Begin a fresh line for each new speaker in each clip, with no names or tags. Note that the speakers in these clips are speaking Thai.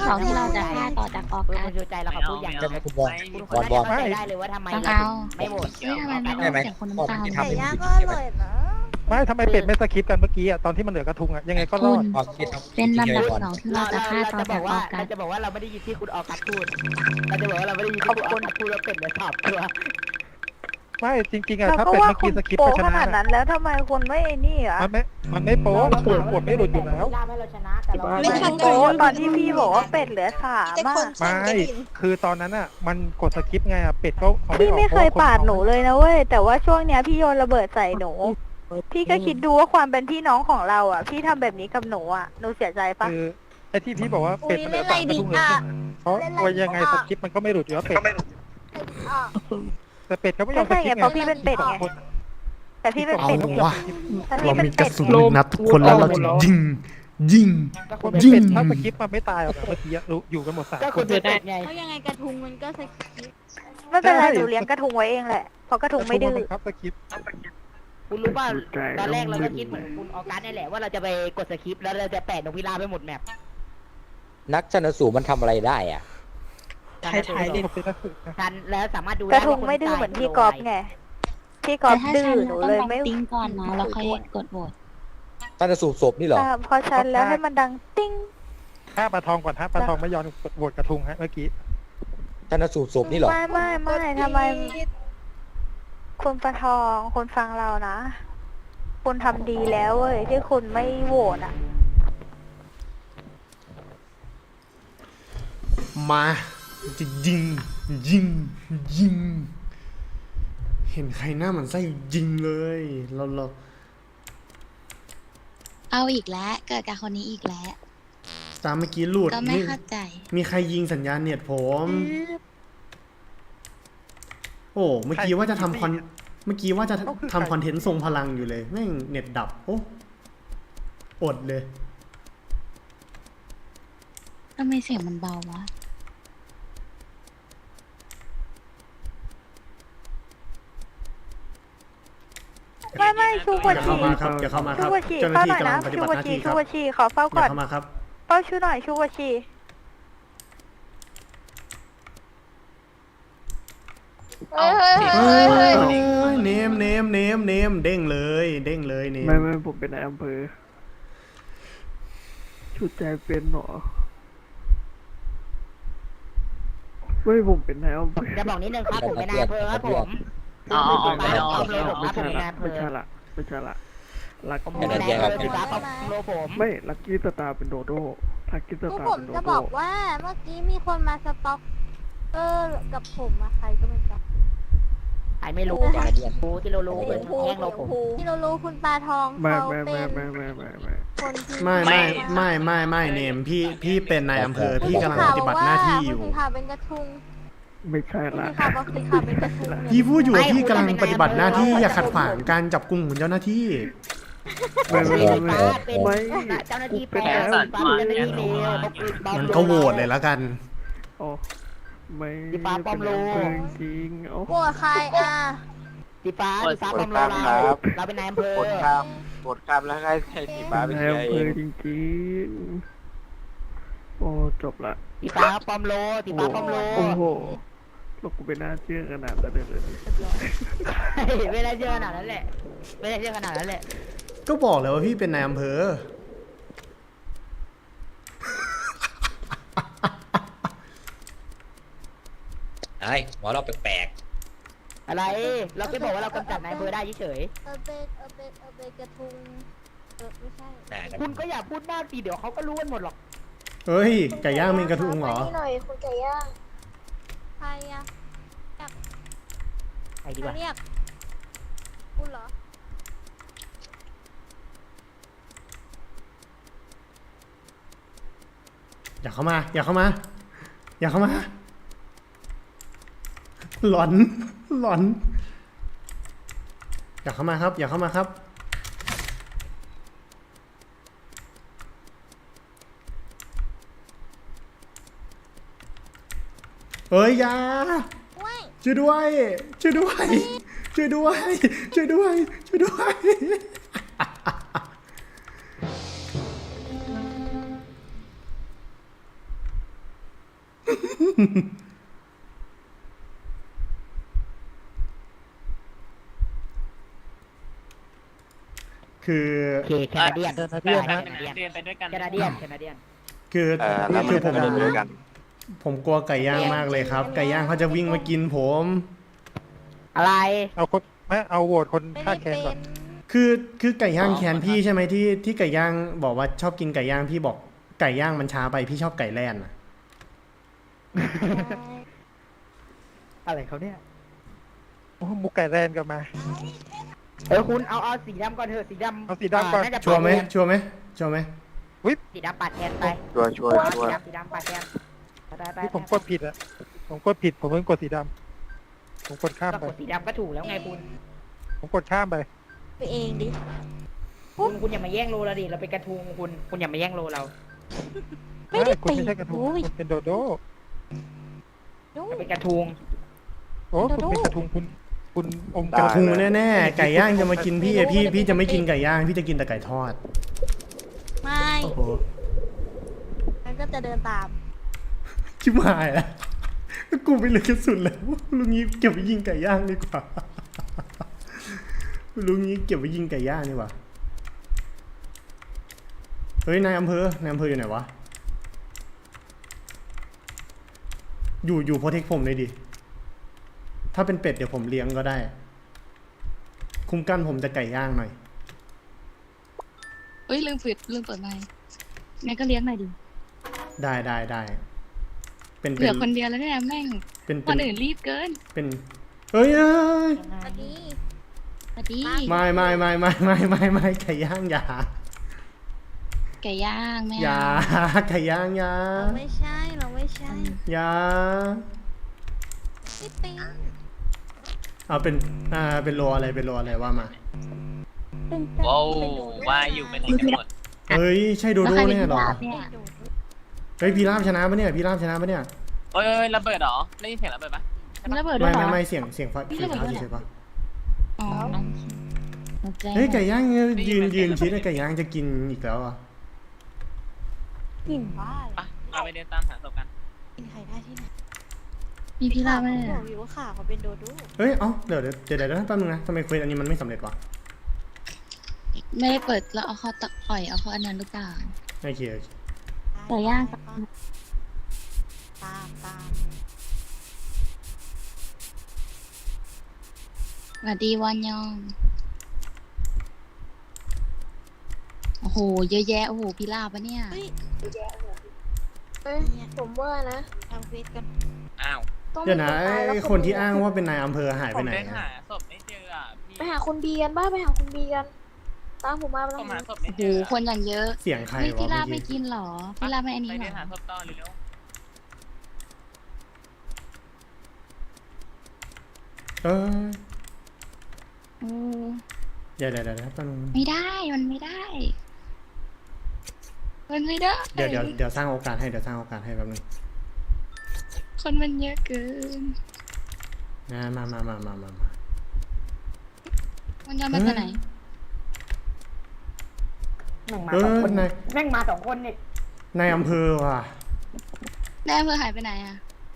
น้องที่เราจะฆ่าต่อจากออก
คุณ
กัน
ชูใจเราขอพูดอย่าง
จะ
นึง
คุณบอล
คุณ
บอลบอล
เข้าใจได้เลยว่าทำไม
ต้อง
เรา
เอา
ไม่โหวต
เฮ้ยทำไมไม่
ได้ไหม
เสียงคนน้ำตาล
ทำ
ไก่
เป็น
ย่าง
ผิด
ก็อ
ใช่ไหม
ร่อยนะ
ไม่ทำไมเป็ดไม่สคิปกันเมื่อกี้อ่ะตอนที่มันเหลือกระทุงอ่ะยังไงก็รอด
ความคิดทำ
เป็นลำดับ
ก่อน
สองที่เราจะฆ่าต่อจากออกกัน
เราจะบอกว่าเราไม่ได้ยินที่คุณออกัสพูดเราจะบอกว่าเราไม่ได้ยินที่คุณออกัสพูดแล้วเป็ดเลยถามตัว
ไม่จริงๆอ่ะ
เรา
ถ้า
ก็
เป็ด
ว่า
เมื่อ
คุ
กี้
ณ
สคิป
โป
ก็ช
ข
นะ
นาดนั้นแล้วทำไมคุณไม่ไอ้นี่อ่ะ
มันไม่โป๊ปวดไม่หลุดอยู่แล้ว
ล่าให้เราชนะแต่เรา
ไม่คุณโปตอนที่พี่บอกว่าเป็ดเหลือ3อ่ะ
ไม่คือตอนนั้นอ่ะมันกดสคิปไงอ่ะเป็ดก็เอา
พี่ไม่เคย
ออก
ปาดหนูเลยนะเว้ยแต่ว่าช่วงเนี้ยพี่โยนระเบิดใส่หนู พี่ก็คิดดูว่าความเป็นพี่น้องของเราอ่ะ พี่ทำแบบนี้กับหนูอ่ะหนูเสียใจปะ
คือไอ้ที่พี่บอกว่าเป็ดมันเหลือ3กระทุงเลยเพราะว่ายังไงสคิปมันก็ไม่หลุดอยู่แล้วเป็ดแต่เป็ดเขาไม่ยอมสคิปไง
เพราะพี่เป็นเป็ดไง แต่พี่เป็น
เอา
เป็ด
วะ
แต่
เรา
พี่เป็น
มีก
เป็
ระ
ด
สุนลูกนัดทุกคนแล้วเราจะยิง ยิง
คนเป็น
ยิง
เป็ดถ้าสคิปมันไม่ตายหรอกเมื่อกี้อยู่กันหมด3
ก็
ค
คุณ
น
เป็นเป็ดไง
เพราะยังไงกระทุงมันก็สกิป
ไม่เป็นไรหนูเลี้ยงกระทุงไว้เองแหละเพราะกระทุงไม่ดื้อ
บังคับสคิป
คุณรู้ป่ะตอนแรกเราก็คิดเหมือนคุณออกัสนี่แหละว่าเราจะไปกดสคริปต์แล้วเราจะแปะนกพิราบไปหมดแมป
นักชันสูตรมันทำอะไรได้อ่ะ
ท้ายๆดิ
เป็นนักสืบนะ
ทันแล้วสามารถดู
ก
ได้
ระทุงไม่ดื้อเหมือนพี่กอล์ฟไงพี่กอล์ฟ
ถ้า
ดื้อ
ฉัน
หนู
ต้อง
เลย
ลอง
ไม่
ติ้งก่อนนะแล้วค่อยกดโหวต
ชันสูตรศพนี่เหรอ
พอฉันแล้วให้มันดังติ้ง
ฆ่าปลาทองก่อนฮะปลาทองไม่ยอมโหวตกระทุงฮะเมื่อกี้
ชันสูตรศพนี่เหรอ
ไม่ทำไมคุณประทองคุณฟังเรานะ คุณทำดีแล้วเว้ยที่คุณไม่โหวตอ่ะ
มาจะยิง ยิง ยิง เห็นใครหน้ามันไส้ยิงเลย เรา
เอาอีกแล้วเกิดกับคนนี้อีกแล้ว
ตามเมื่อกี้หลุด
ก็ไม่เข้าใจ
มีใครยิงสัญญาณเน็ตผม โอ้เมื่อกี้ว่าจะทำคอนเทนต์ทรงพลังอยู่เลยแม่งเน็ตดับ โอ้อดเลย
ทำไมเสียงมันเบาวะ
ไม่ชู
อ
วั
ย่า
ชี
เข้ามาครับอย่าเข้ามาค
ชู
รับ
วัชี
เจ้าห
เฝ้า
น้า
หน่
ที่
อย
กำลั
นะ
งปฏิ
ชู
บัติ
วั
หน้า
ชี
ที่ครับ
ขอเฝ้า
อย่า
ก่อน
เข้ามาครับ
เฝ้าชูหน่อยชูวัชี
เฮ้ยเนมเด้งเลยเนม
ไม่ผมเป็นนายอำเภอชุดใจเป็นหรอไม่ผมเป็นนายอำเภอ
จะบอกนิดนึงครับผมเป็นนายอำเภอครับผม
อ๋อ
ไม่ยอมเลยผมครับผมเป็นนายอำเภ
ไม่
อ
ใช่ละไม่ใช่ละลัก
ผมเป็นนายอำเภอสีฟ้าครับโลผม
ไม่ลักกี้สตาร์เป็นโดโด้ลักกี้ส
คือ
ตา
ผ
ร์
ม
เป็นโด
จะบ
โด้
อกว่าเมื่อกี้มีคนมาสต็อกกับผมอะใครก็ไม่รู้
ไอ้ไม่รู้แต่รู้ที่เรารู้เป็นแย่งเราผม
ที่เรารู้คุณปลาทอง
ไม่
เขาเป็น คนที่
ไม่เนมพี่เป็นนายอำเภอพี่กำลังปฏิบัติหน้าที่อยู่
คุณสีขาวเป็นกระทุง
ไม่ใช่
คุณ
ละ
สีขาวบอกสีขาวเป็นกระทุง
พี่พูดอยู่ว่าพี่กำลังปฏิบัติหน้าที่อย่าขัดขวางการจับกุมของเจ้าหน้าที่
ไม่
สีฟ้าเป็นเจ้าหน้าที่แปลสีฟ้าเป็นเจ้าหน้าที่เลว
มันก็โหวตเลยแล้วกัน
โอ้ไม่
สีฟ้าปลอมโล
จริงโอ้
โกรธใครอ่ะ
สีฟ้าปลอมโลเราเป็นนายอำเภอ
กดคำแล้วให้สีฟ้าไป
นาย
เชีย
อำ
ร์
เภ
เอ
อง จริงๆโอ้จบละ
สีฟ้าปลอมโลสีฟ้าปลอมโล
โอ้โหลูกกูเป็นน่าเชื่อขนาดนั้นเลย
ไม่ได้เชื่อขนาดนั้นแหละไม่ได้เชื่อขนาดนั้นแหละ
ก็บอกเลยว่าพี่เป็นนายอำเภอ
ไอ้หมอเราแปลก
อะไรเราแค่บอกว่าเรากำจัดนายอำเภอได้เฉย
เป็นกระทุงไม่ใช่
ๆ
คุณก็อย่าพูดมากสิเดี๋ยวเขาก็รู้กันหมดหรอก
เฮ้ยไก่ย่างมีกระทุงเหรอ
นี่หน่อยคุณไก่ย่างใครอะ
ไปดี
ใค
ก
ร
ว่า
เรียกคุณเหรอ
อย่าเข้ามาอย่าเข้ามาหลอนอย่าเข้ามาครับเฮ้ยอยาช่วยด้วยคือ
โอเคแคนาเดียน
แคนาเดียนนะ
เดินไปด้วยกันแคนาเดียนแคนาเดียน
คือคือผมกลัวไก่ย่างมากเลยครับ ไก่ย่างเขาจะวิ่งมากินผม
อะไร
เอาคนไม่เอาโหวตคน
ไม่
ฆ่า
ได้
แคนก่อน
คือไก่ย่างแคนพี่ใช่ไหมที่ไก่ย่างบอกว่าชอบกินไก่ย่างพี่บอกไก่ย่างมันช้าไปพี่ชอบไก่แล่นอะ
อะไรเขาเนี่ย
โอ้มุกไก่แรนกลับมา
คุณเอาสีดำก่อนเถอะสีดำ
เอาสีดำก่อน
น่าจะ
ชัวร์ไหม
ปาดแทน
ชัวร์ไหมชัวร์ไหม
สีดำปาดแทนไป
ชัวร์
สีดำปาดแทนไป
นี่ผมกดผิดอะผมกดผิดผมเพิ่งกดสีดำผมกดข้าม
ก็
ไป
กดสีดำก็ถูกแล้วไงคุณ
ผมกดข้ามไป
ไปเองดิ
คุณอย่ามาแย่งโลเราดิเราเป็นกระทุงคุณอย่ามาแย่งโลเรา
ไม่ได้
คุณ
ตี
ไม่ใช่กระทุง
โอ้ย
คุณเป็นโดโด
ดู
เราเป็นกระทุง
โอ้
โด
คุณ
โด
เป็นกระทุงคุณอม
กระทุงแน่ๆไก่ย่างจะมากินพี่อะพี่จะไม่กินไก่ย่างพี่จะกินแต่ไก่ทอด
ไม่
โอ้โห
มันก็จะเดินตาม
ชิบหายแล้วกูไปเหลือกระสุนแล้วลุงนี้เก็บไปยิงไก่ย่างดีกว่าลุงนี้เก็บไปยิงไก่ย่างดีกว่าเฮ้ยนายอำเภอยู่ไหนวะอยู่โปรเทคผมเลยดิถ้าเป็นเป็ดเดี๋ยวผมเลี้ยงก็ได้ คุ้มกันผมจะไก่ย่างหน่อย
เอ้ยลืมเปิดไมค์งั้นก็เลี้ยงหน่อยดิ
ได้เป็น
เหลือคนเดียวแล้วเนี่ยแม่ง
เป็น
คนอื่นรีบเกิน
เป็นเอ้ย
สวัสดี
สวัสดี
ไม่ไก่ย่างอย่า
ไก่ย่างแม่
อย่าไก่ย่างอย่า
เราไม่ใช่
อย่า
ไม่เป็น
เอาเป็นโลอะไรว่ามา
เป็น
ว้าว
เป็นโดโด
ว่าอยู่เป็นไหนกันหมด
เฮ้ยใช่โด
แล้ว
โด
ใครเป็น
เนี่ยเหรอ
พี่ลาบเนี่ย
เป็นโดโด
เฮ้ยพี่ราบชนะปะเนี่ย
โอ้ยระเบิดเหรอได้ยินเสียงระเบิดปะ
มันระเบิดด้วยเหรอ
ไม่เสียงฟ้า
พี่ระเบิดด้วยเหรอ
เฉยๆปะ
อ๋อโอเค
เฮ้ยไก่ย่างยืนชิดไก่ย่างจะกินอีกแล้วอ่ะ
กลิ่นบ้าเลย
ปะเราไปเดินตามหาศพกัน
กินใครได้ที่ไหน
มีพี่ลาบไหม
บ
เนี่ย
อกอยู่ว่าขาเขาเป็นโดโด
เฮ้ยเดี๋ยวแป๊บนึงนะทำไมเควสอันนี้มันไม่สำเร็จวะ
ไม่ได้เปิดแล้วเอาเขาตักปล่อยเอาเขาอันนั้นหรือเปล่า
โอเค
ไก่ย่าง
ตาม
สวัสดีวันยอง โอ้โห เยอะแยะ โอ้โห พี่ลาบปะเนี่ย
เฮ้ย
ผมว่านะ
ทำเฟซกัน
อ้าว
ต้อง
เดี๋ยวนะ
มีตายแล้ว
ไอ้คนที่อ้างว่าเป็นนายอำเภอหาย
ผ
ไป
ม
ไหน
เดิน
อะ
หาศพไม่เจออ่ะพี่
ไปหาคุณบีกันบ้าไปหาคุณบีกัน ตามผมมา
ผมหา
แล้ว
ศพไม่
โอ้โห
เจอ
คนอย่างเยอะ
เสียงใคร
เฮ้ยว
ะ
พี่ลาบ
เมื่
ไม่
อ
กิ
กี้
นเหรอ พี่ลาบไม่อันนี้
ไป
เหร
เดินหา
อ
ศพต่อเร็ว
เออ
โอ้
เดี๋ยวแป๊บนึง
ไม่ได้ มันไม่ได้ มันไม่ได้
เดี๋ยวสร้างโอกาสให้แป๊บนึง
คนมันเยอะเกิน
มา
มันยอมมาจากไหน
แม่งมาสองคนแม่งมาสองคนเนี่ย
นายอำเภอว่ะ
นายอำเภอหายไปไหนอะ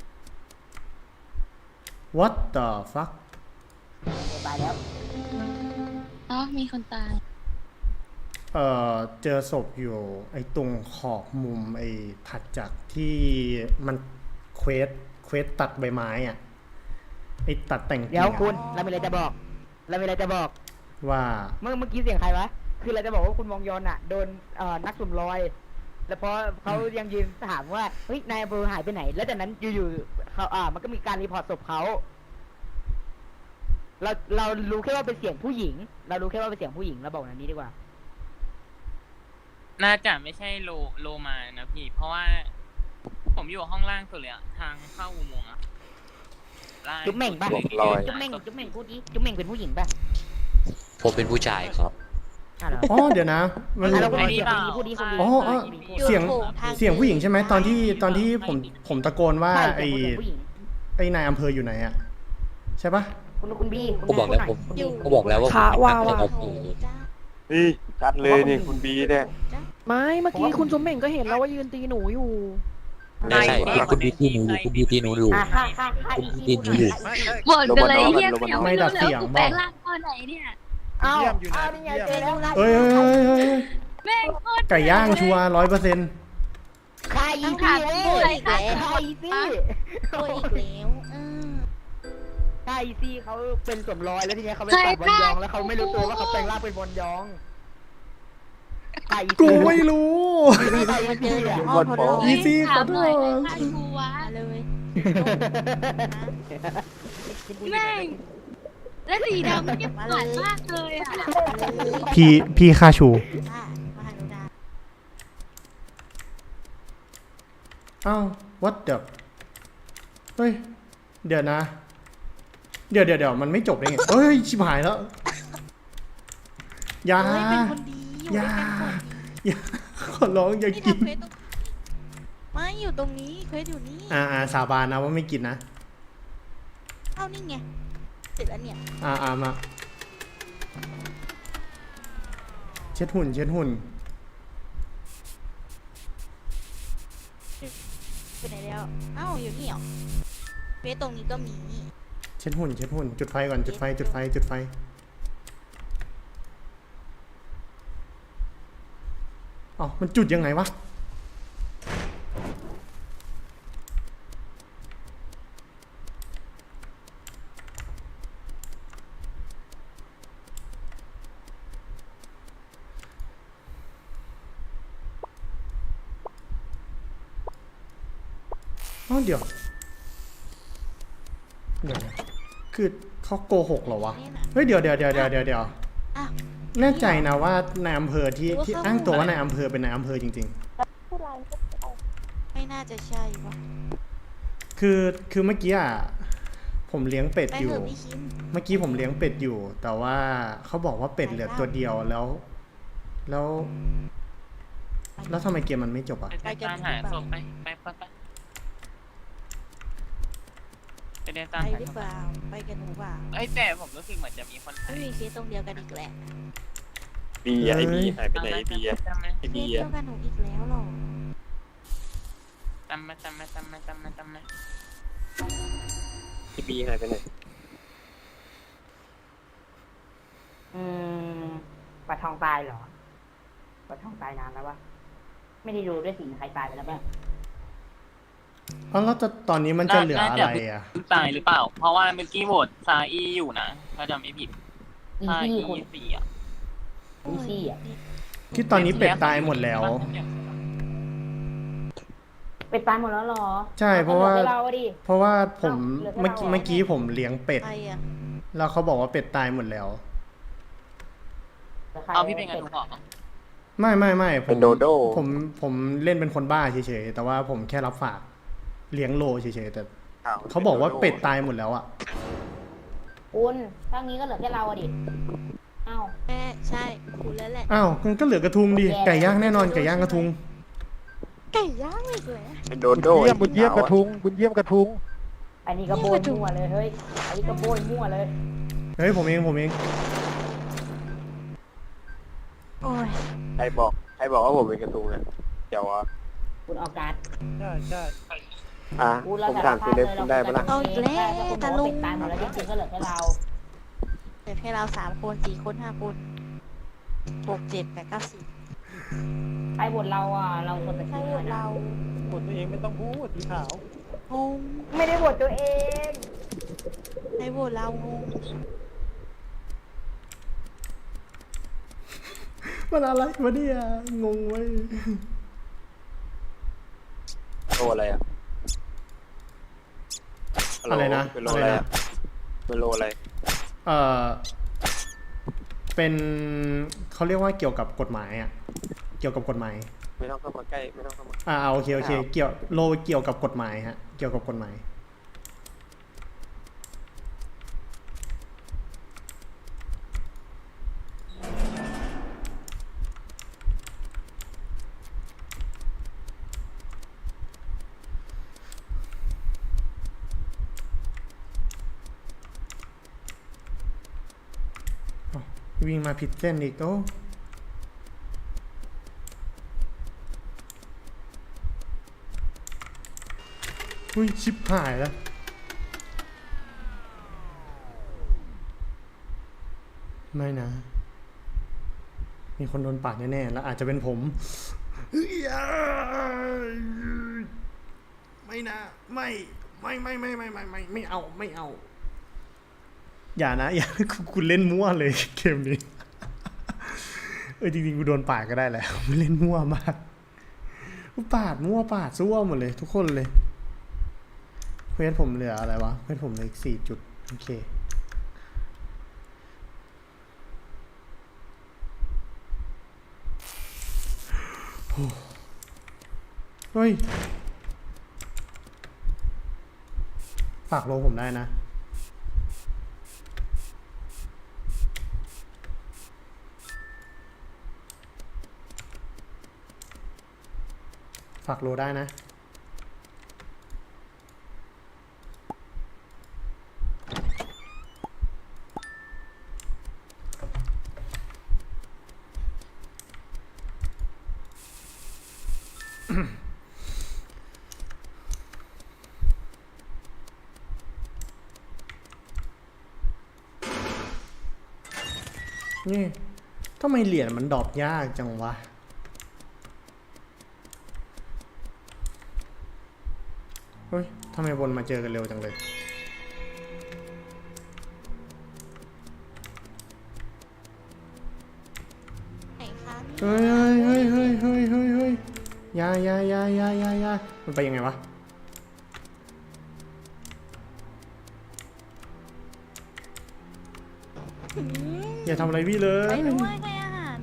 what the fuck
ตายแล้ว
อ๋อมีคนตาย
เจอศพอยู่ไอ้ตรงขอบมุมไอ้ถัดจากที่มันเควสตัดใบไม้อ่ะไอ้ตัดแต่ง
เดี๋ยว
กิ่ง
คุ
อะ
ณเรามีอะไรจะบอก
ว่า
เมื่อกี้เสียงใครวะคือเราจะบอกว่าคุณมองยอนอ่ะโดนนักสุ่มลอย แล้วพอเขายังยืนถามว่าเฮ้ยนายอำเภอหายไปไหน แล้วจากนั้นอยู่ๆเขามันก็มีการรีพอร์ตศพเขาเรารู้แค่ว่าเป็นเสียงผู้หญิง เราบอกแบบนี้ดีกว่า
ๆน่าจะไม่ใช่โลมานะพี่ เพราะว่า ผมอยู่ห้องล่างสุดเลยอะทางเข้าอุโมงค์อะล่าง
จุ๊บเหม่งปะ จุ๊บเหม่งพูดดิจุ๊บเหม่งเป็นผู้หญิงป่ะ
ผมเป็นผู้ชายครับ
เหรอ
อ๋อเดี๋ยวนะมัน
เราพูดดีพูดดีคนดี
อ๋อ เสียงผู้หญิงใช่ไหมตอนที่ผมตะโกนว่า
ใช่
ไอ้
เสียงผู้หญิง
ไอ้นายอำเภออยู่ไหนอ่ะใช่ปะ
คุณบี
ก็บอกแล้วก็บอกแล้วว่า
ขาว่า
ผม
ว่ะ
เป็น
โอ้จ้า
นี่ชัดเลยนี่คุณบีเนี่ย
ไม่เมื่อกี้คุณสมเหม่งก็เห็นแล้วว่ายืนตีหนูอยู่
ไม่ใช่คุณดีที่หนูอยู่คุณดีที่หนูอยู่
ค่ะอี
คุณ
ซี่
ดีหนูอยู่
หมดกันเลยเฮีย
ไม่ดับเสียง
กู
บ
แปล
อก
งร่างตอนไหนเนี่ย
อ้าว
เยี่ยมอยู่นะ
นี่ไงเจอ
เยี่ยม
แล้ว
เอ้ย
แม่งโคตร
ไก่ย่างชัว100%
ใครอีซี่เอ้ยใครอีซี่
ตัวอีกแล้ว
ใครอีซี่เขาเป็นสวมรอยแล้วทีเนี้ยเขาไปตัดบอลยองแล้วเขาไม่รู้ตัวว่าเขาแปลงร่างเป็นบอลยองใครอี
กู
ซี่
ไม่รู้
ใครอีซี่อะ
อ้อทดลอง
อีซี่ขอโทษ
ฆ่ากูวะ
มาเลย
แม่งและสีดำมันเก็บผ่านมากเลยอ่ะ
พี่ค่าชู
มาหาหนูดา
อ้าว what the เฮ้ย เดี๋ยวนะ เดี๋ยวมันไม่จบได้ไงเฮ้ย ชิบหายแล้วอย่า
เฮ้ยเป็นคนดีอยู่
อย่า
ด้วยกันคนดี
อย่าขอร้องอย่า
นี่
กิน
ทำเควสตรงไม่อยู่ตรงนี้เควสอยู่นี่
สาบานนะว่าไม่กินนะ
เอ้านี่ไงเสร็จแล้วเนี่ย
มาเช็ดหุ่น
ไปไหนแล้วเอ้าอยู่นี่เหรอเควสตรงนี้ก็มี
เช็ดหุ่น จุดไฟก่อน จุดไฟ อ๋อ มันจุดยังไงวะ อ๋อเดี๋ยวนะคือเขาโกหกเหรอวะ
นี่นะ
เฮ้ยเดี๋ยว
อ้าว
แน่ใจนะว่านายอำเภอที่อ้างตัวว่านายอำเภอเป็นนายอำเภอจริง
ไม่น่าจะใช่ปะ
ๆ คือเมื่อกี้อ่ะผมเลี้ยงเป็ด
ไป
อยู่
เถอะพี่คิม
เมื่อกี้ผมเลี้ยงเป็ดอยู่ แต่ว่าเขาบอกว่าเป็ดเหลือตัวเดียวแล้วทำไมเกมมันไม่จบอ่ะ
ไปตามหาศพไปเดินตาม
ไป
หา
หรือ
ศพ
เปล่าไปกันหนูเปล่า
เอ้ยแต่ผมรู้สึกเหมือนจะมีคน
ไม่
หาย
มีเคสตรงเดียวกันอีกแหละ
บีไอบีหายไปไหนบีไอ
จำไหม
เคสเดียวกันหนูอีกแล้วหรอ
จำไหม
บีหายไปไหน
ปลาทองตายเหรอปลาทองตายนานแล้ววะไม่ได้ดูด้วยสิใครตายไปแล้วบ้าง
อ๋อแล้วตอนนี้มันจะเหลืออะไรอ่ะ
ตายหรือเปล่า เพราะว่าเมื่อกี้โหวตซาอีอยู่นะถ้าจำไม่ผิด
อี
ซา
ซี่
อี
คน
สี่อ่ะ
อีซี่อ่ะ
ที่ตอนนี้เป็ดตายหมดแล้ว
เป็ดตายหมดแล้วเหรอ
ใช่เพราะว่า
หลือแค่เราอะดิ
เพราะว่าผม
เหลือแค่เรา
เมื่อกี้ผมเลี้ยงเป็ด
ใครอ่ะ
แล้วเขาบอกว่าเป็ดตายหมดแล้ว
หลืใคร
เอาพี่เป็นกันทุกข์เหรอ
ไม่ผ
เป็
ม
นโดโด
ผมเล่นเป็นคนบ้าเฉยๆแต่ว่าผมแค่รับฝากเลี้ยงโลเฉยๆแต่
อ้ว
เขาบอกว่าเป็ดตายหมดแล้วอ่ะ
คุณถ้างี้ก็เหลือแค่เราอะดิเอ้า
แม่ใช่คุณแล้วแหละ
อ้าวมันก็เหลือกระทุงดิไก่ย่างแน่นอนไก่ย่างกระทุง
ไก่ย่างอีกแล้ว
เป็นโดโด
บุญเยี่ยมกระทุงบุญเยี่ยมกระทุง
อันนี้ก็โบยมั่วเลยเฮ้ยอันนี้ก็โบยมั่วเลย
เฮ้ยผมเอง
โอ้ย
ใครบอกว่าผมเป็นกระทุงอ่ะเดี๋ยวอ่ะ
คุณเอาการ์ด
ใช่
คุณ
ผมถามซีเล็บคุณได้ปะล่ะ
เอาอีกแล้ว
แต่
ตา
ลุ
ลุ
ง
ง
ตายหมดแล้วจริงๆก็เหลือแค่เรา
เหลือแค่เรา3 คน4 คน 5 คน6 7 8 9 10
ใครบทเราอ่ะเราคนแต่
ใช่
ที่
เรา
กดตัวเองไม่ต้องพูดสีขาว
งง
ไม่ได้บทตัวเอง
ใช่โหวตเรางง
มันอะไรวะเนี่ยงงเว้ย
โลอะไรอ่ะ
อะไรนะ
เป็นโลอะไรอ่ะเป็นโลอะไร
เป็นเขาเรียกว่าเกี่ยวกับกฎหมายอ่ะเกี่ยวกับกฎหมาย
ไม่ต้องเข้ามาใกล้ไม่ต้องเข้ามา
โอเคเกี่ยวโลเกี่ยวกับกฎหมายฮะเกี่ยวกับกฎหมายวิ่งมาผิดเส้นอีกโอ้อุ้ยชิบหายแล้ว ไม่นะ มีคนโดนปาดแน่ๆแล้วอาจจะเป็นผมไม่นะไม่เอาไม่เอา อย่านะอย่าคุณเล่นมั่วเลยเกมนี้จริงๆกูโดนปาดก็ได้แหละไม่เล่นมั่วมากปาดมั่วปาดซั่วหมดเลยทุกคนเลยเควสผมเหลืออะไรวะเควสผมเหลืออีก4 จุดโอเคเฮ้ยฝากโลผมได้นะฝากโลได้นะนี่ทำไมเหรียญมันดรอปยากจังวะเฮ้ยทำไมวนมาเจอกันเร็วจังเลย
ไหนคะ
เฮ้ยยามันไปยังไงวะอย่าทำอะไรพี่เลย
ไปด้วยให้อาหาร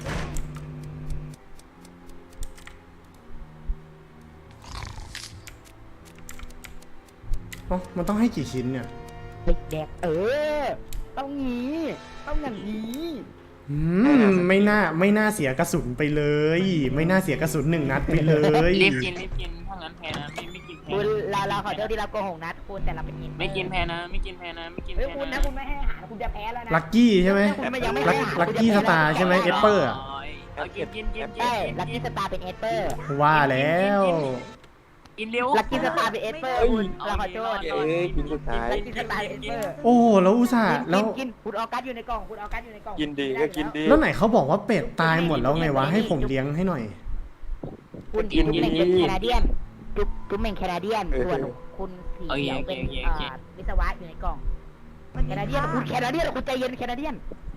อ๋อมันต้องให้กี่ชิ้นเนี่ย
แดกต้องงี้ต้องอย่างนี้
ไม่น่าเสียกระสุนไปเลย ไม่น่าเสียกระสุน1 นัดไปเลย
รีบกินถ้างั้นแพ้นะไม่กินแพ้
คุณเราขอโทษที่เราโกหกนัดคุณแต่เราเป็น
ไม่กินแพ้นะไม่กินแพ้นะ
เฮ้ยคุณนะคุณไม่ให้อาหารคุณจะแพ้แล้วนะ
ลักกี้ใช่ไหม
คุณยังไม่ให้อาหาร
ลักกี้สตาร์ใช่ไหมเอสเปอร์
เอากิน
ใช่ลักกี้สตาร์เป็นเอสเปอร์
ว่าแล้ว
กินเร็ว
ลักกี้สตาร์เป็นเอสเปอร์คุณเราขอโทษ
กินสุดท้าย
ลักกี้สตาร์เอสเปอร์
โอ้แล้วอุตส่าห์แล้ว
กินคุณออกัสอยู่ในกล่องคุณออกัสอยู่ในกล่อง
กินดีก็กินดี
แล้วไหนเขาบอกว่าเป็ดตายหมดแล้วไงวะให้ผมเลี้ยงให้หน่อย
คุณจุ๊บเม่งเป็นแคนาเดียนจุ๊บเม่งแคนาเดียนส่วนคุณสีเขียวเป็นวิศวะอยู่ในกล่องแคนาเดียนคุณแคนาเดียนคุณใจเย็นแคนาเดียน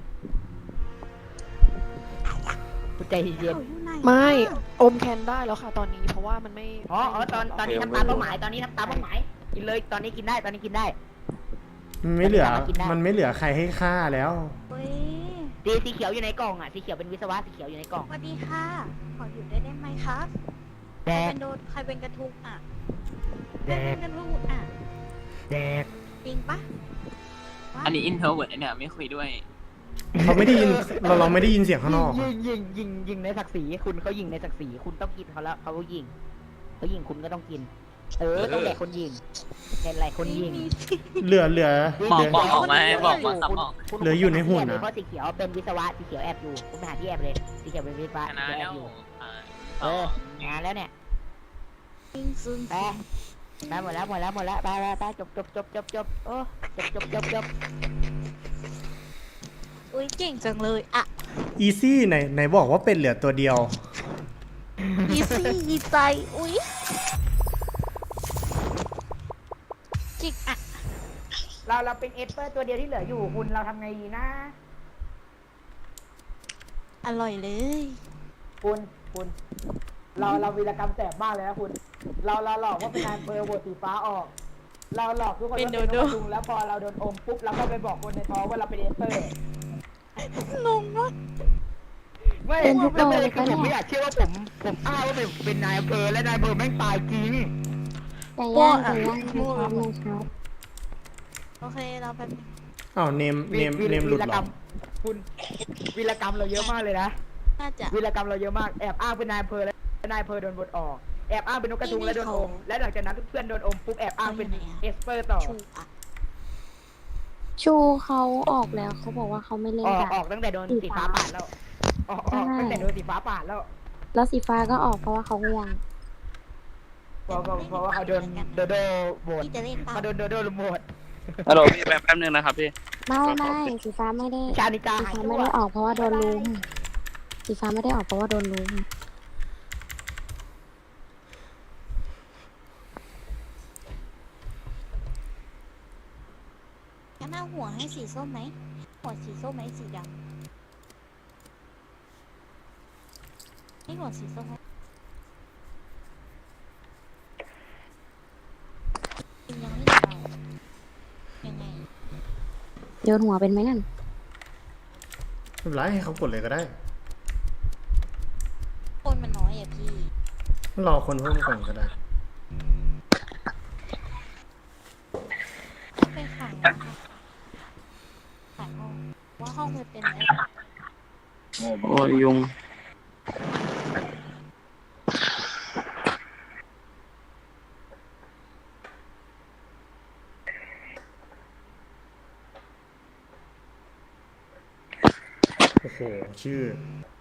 คุณใจเย็น
ไม่อมแคนได้แล้วค่ะตอนนี้เพราะว่ามันไม่
อ๋อตอนนี้ทำตามเป้าหมายตอนนี้ทำตามเป้าหมายกินเลยตอนนี้กินได้ตอนนี้กินได้
มันไม่เหลือใครให้ฆ่าแล้ว
เฮ้ย
สีเขียวอยู่ในกล่องอ่ะสีเขียวเป็นวิศวะสีเขียวอยู่ในกล่อง
สวัสดีค่ะ ขออยู่ได้ไหมครับ
แด
ใคร
ก
เป็นกระทุกอ่ะ
แด
ใครเป็
ก
นกระทุกอ่ะ
แดก
จริงปะ
อันนี้อินเทอร์เวิร์ดเนี่ยไม่คุยด้วย
เขาไม่ได้ยินเราไม่ได้ยินเสียงข้างนอก
ยิงในศักดิ์ศรีคุณเขายิงในศักดิ์ศรีคุณต้องกินเขาแล้วเขายิงคุณก็ต้องกินต้องแดกคนยิงเป็นไรคนยิง
เหลือ
บอกออกมาบอกซับออก
เหลืออยู่ในหุ่นนะ
เพราะสีเขียวเป็นวิศวะสีเขียวแอบอยู่คุณไปหาที่แอบเลยสีเขียวเป็นวิศวะ
ช
สี
นะ
เขียวแอ
แล้
บ
ว
อยู่
ต่อ
งานแล้วเนี่ย
จริงซึง
ไปหมดแล้วไปจบโอ้จบ
อุ้ยเก่งจังเลยอ่ะ
อีซี่ไหนบอกว่าเป็นเหลือตัวเดียว
อีซี่ดีใจอุ้ยจิกอ่ะ
เราเป็นเอสเปอร์ตัวเดียวที่เหลืออยู่คุณเราทำไงดีนะ
อร่อยเลย
คุณเราวีรกรรมแสบมากเลยนะคุณเราหลอกว่าเป็นนายอำเภอโหวตสีฟ้าออก เราหลอกทุกคนว่าเป็นนกกระทุงแล้วพอเราโดนอมปุ๊บเราก็ไปบอกคนในท้องว่าเราเป็นเอสเปอร์
งงมาก
ไม่แล้วประเด็นคือผมไม่อยากเชื่อว่าผมอ้างว่าเป็นนายอำเภอและนายอำเภอแม่งตายจริง
แต่ย่างนะครับ
โอเคเราเป็น
อ้าวเนมหลุดหรอ
คุณวีรกรรมเราเยอะมากเลยนะ
น่าจะ
วีรกรรมเราเยอะมากแอบอ้างเป็นนายอำเภอและนายอำเภอโดนบทออกแอบอ้างเป็นนกกระทุงและโดนอมและหลังจากนั้นเพื่อนโดนอมปุ๊บแอบอ้างเป็นเอสเปอร์ต่อ
ชูอ่ะ
ชูเขาออกแล้วเขาบอกว่าเขาไม่เล่นกัน
ออกตั้งแต่โดนสีฟ้าปาดแล้วออกตั้งแต่โดนสีฟ้าปาดแล้ว
แล้วสีฟ้าก็ออกเพราะว่าเขาง่วง
เพราะว่าเขาโดนโดโดโหวต
พี่จะเล่นเปล่า
เขาโดนโดโดโหวต
ฮัลโหลพี่แป๊บนึงนะครับพี่
ไม่สีฟ้าไม่ได้
ชานิกา
สี
หาย
ฟ้า
ตั
ไม่
ว
ได้ออกเพราะว่าโดนลุมสีฟ้าไม่ได้ออกเพราะว่าโดนลุม
งั้นเอาหัวให้สีส้มไหมหัวสีส้มไหมสีดำให้หัวสีส้มไหมยังไม่เอายังไง
โยนหัวเป็นไหมนั่น
ไม่เป็นไรให้เขากดเลยก็ได้
คนมันน้อยอ่ะพี่
รอคนเพิ่มก่อนก็ได้
ไปขายนะคะขายห้องว่าห้องมันเป็นอะไร
โอ้ยยุง
โอ้โห ชื่อ